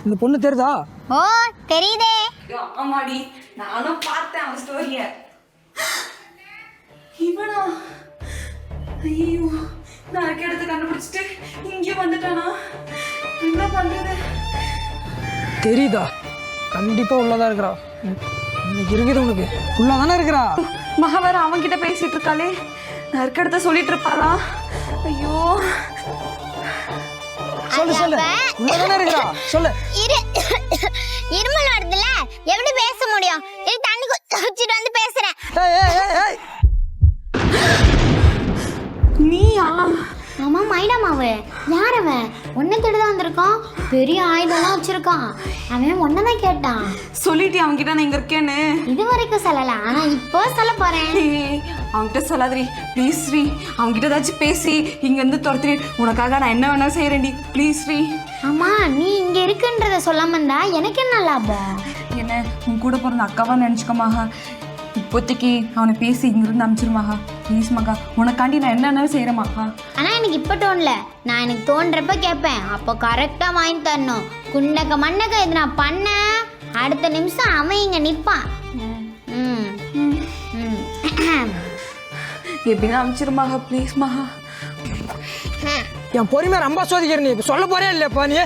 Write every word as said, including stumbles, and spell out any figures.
இந்த பொண்ணு தெரியுதா? ஓ தெரியுதே. ஆமாடி, நானும் பார்த்தேன் அவன் ஸ்டோரிய. இவனா? ஐயோ, நான் இருக்க இடத்த கண்டுபிடிச்சிட்டு இங்கே வந்துட்டானா? என்ன பண்றது? தெரியுதா? கண்டிப்பா உள்ளதா இருக்கிறா. இன்னைக்கு இருக்குது உனக்கு. உள்ளதானே இருக்கிறா. மகாவேற அவன்கிட்ட பேசிட்டு இருக்காளே, நான் இருக்க இடத்த சொல்லிட்டு இருப்பாளா? ஐயோ, சொல்லு சொல்லு. உள்ளதானே இருக்கிறா. சொல்லு. இரு இருமல் வருதுல, எப்படி பேச முடியும்? இரு தண்ணி குடிச்சிட்டு வந்து பேசுறேன். ஏய் ஏய் ஏய் ஏய். நீயா? ஆமா மைனா மாவு. யார் அவன்? ஒன்ன தேடிதான் வந்திருக்கான். பெரிய ஆயுதம்லாம் வச்சிருக்கான். அவன் ஒன்னதான் கேட்டான். சொல்லிட்டு அவன்கிட்ட நான் இங்க இருக்கேன்னு. இது வரைக்கும் சொல்லல, ஆனா இப்போ சொல்ல போறேன். ஏய், அவன்கிட்ட சொல்லாதடி ப்ளீஸ் ஸ்ரீ. அவன்கிட்ட ஏதாச்சும் பேசி இங்க இருந்து துரத்துறி. உனக்காக நான் என்ன வேணா செய்யறேன்டி ப்ளீஸ் ஸ்ரீ. ஆமா, நீ இங்க இருக்குன்றத சொல்லாம இருந்தா எனக்கு என்ன லாபம்? என்ன உன் கூட பிறந்த அக்காவா நினச்சிக்கோமாகா. இப்போதைக்கு அவனை பேசி இங்கிருந்து அனுப்பிச்சிருமாகா ப்ளீஸ் மகா. உனக்காண்டி நான் என்னென்ன செய்கிறேமாக்கா. ஆனா எனக்கு இப்ப தோணல. நான் எனக்கு தோன்றப்ப கேட்பேன். அப்போ கரெக்டா வாங்கி தரணும். குண்டக்க மண்ணக்க இது நான் பண்ண அடுத்த நிமிஷம் அவன் இங்க நிப்பான். ம் ம் எப்படின்னா அனுப்பிச்சிருமாகா ப்ளீஸ் மகா. என் பொறுமையை ரொம்ப சோதிக்கிற. நீ சொல்ல போறே இல்லையாப்பா நீ?